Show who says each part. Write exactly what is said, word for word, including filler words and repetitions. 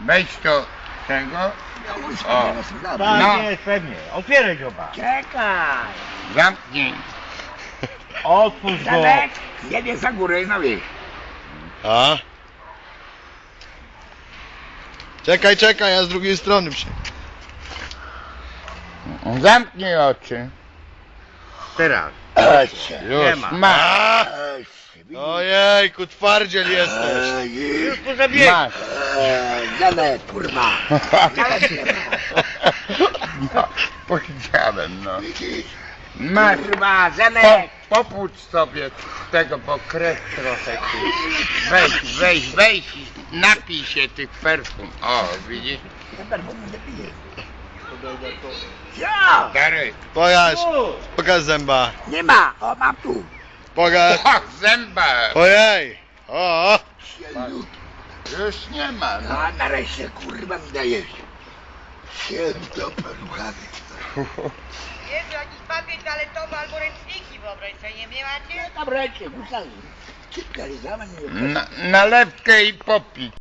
Speaker 1: Wejdź to tego. O.
Speaker 2: Tak,
Speaker 1: No.
Speaker 2: jest pewnie. Otwieraj dzioba.
Speaker 3: Czekaj.
Speaker 1: Zamknij.
Speaker 2: Otwórz go.
Speaker 3: Zamek, jedzie za górę i na wieś.
Speaker 4: A? Czekaj, czekaj, ja z drugiej strony przy...
Speaker 1: Zamknij oczy.
Speaker 2: Teraz.
Speaker 4: Już.
Speaker 2: Nie ma.
Speaker 1: Masz.
Speaker 4: Ojejku, twardziel jesteś.
Speaker 2: Już po zabiegu.
Speaker 1: Masz.
Speaker 3: Jadę, kurwa.
Speaker 1: No, powiedziałem, no. Masz.
Speaker 3: Kurwa,
Speaker 1: Po,
Speaker 3: Zenek.
Speaker 1: popłucz sobie tego, bo krew trochę tu. Weź, weź, weź, napij się tych perfum. O, widzisz?
Speaker 3: Ja,
Speaker 1: Darek.
Speaker 4: Pokaż, pokaż zęba.
Speaker 3: nie ma. O, mam tu.
Speaker 4: Pokaż.
Speaker 1: O, zęba.
Speaker 4: Ojej. O, o.
Speaker 1: Już nie ma, no.
Speaker 3: A nareszcie, kurwa, mi dajesz. Święto peluchany.
Speaker 5: Jest jakiś papier toaletowy albo ręczniki, wyobraź sobie, nie macie?
Speaker 3: Tam ręcznie, kurwa. Kilka razy za mnie.
Speaker 1: Na, nalewkę i popij.